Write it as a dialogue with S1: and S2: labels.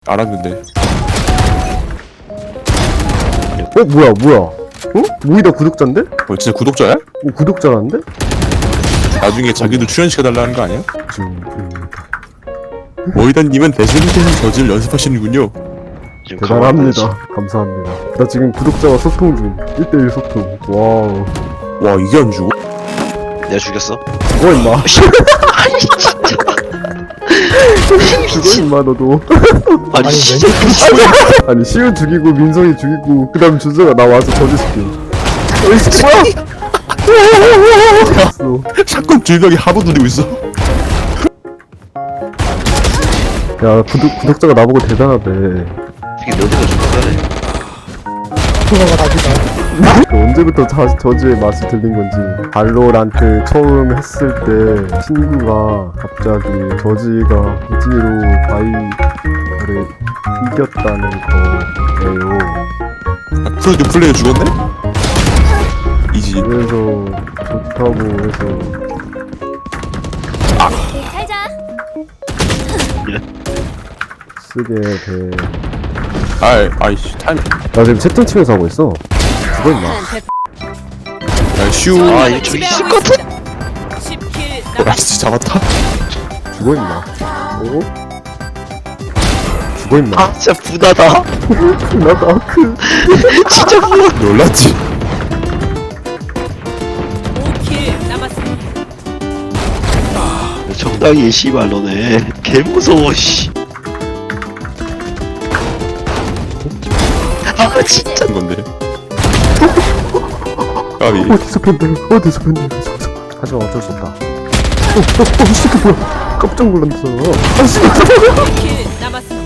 S1: 알았는데.
S2: 뭐야? 어? 모이다 구독자인데?
S1: 진짜 구독자야?
S2: 구독자라는데?
S1: 나중에 자기도 출연시켜달라는 거 아니야?
S2: 지금
S1: 모이다님은 대세리테는 저지를 연습하시는군요.
S2: 대단합니다. 감사합니다. 나 지금 구독자와 소통 중. 1대1 소통. 와우.
S1: 와, 이게 안 죽어?
S3: 내가 죽였어?
S2: 죽어 임마.
S3: 아니 진짜.
S2: 죽어 임마 너도.
S3: 아니 진짜.
S2: 아니 시우 죽이고 민성이 죽이고 그다음 준서가 나 와서 저지시켜. 이 새끼 뭐야?
S1: 샷건 질병이 하도 누리고 있어.
S2: 야 구독자가 나보고 대단하대.
S3: 이게 너네가 죽였다네.
S2: 그 언제부터 저지의 맛이 들린 건지. 발로란트 처음 했을 때 친구가 갑자기 저지가 이지로 바이를 이겼다는 거예요.
S1: 프로듀 플레이어 죽었네? 이지.
S2: 그래서 좋다고 해서
S4: 살자.
S2: 쓰게 돼.
S1: 아이씨, 타이밍.
S2: 나 지금 채팅 치면서 하고 있어. 죽어 임마.
S1: 야, 슈.
S3: 아 이거 저기 있을 것 같아.
S4: 10킬
S1: 라이스 잡았다.
S2: 죽어 임마. 오? 죽어 임마.
S3: 아 진짜 분하다.
S2: 나도 아크.
S3: 진짜 분하.
S1: 놀랐지.
S4: 5킬 남았습니다.
S3: 적당히 씨발 너네. 개 무서워 씨. 아 진짜.
S1: 한 건데. 까비.
S2: 어디서 팬들? 하지만 어쩔 수 없다. 이 새끼 뭐야? 깜짝 놀랐어. 아, 씨.
S4: 5킬 남았습니다.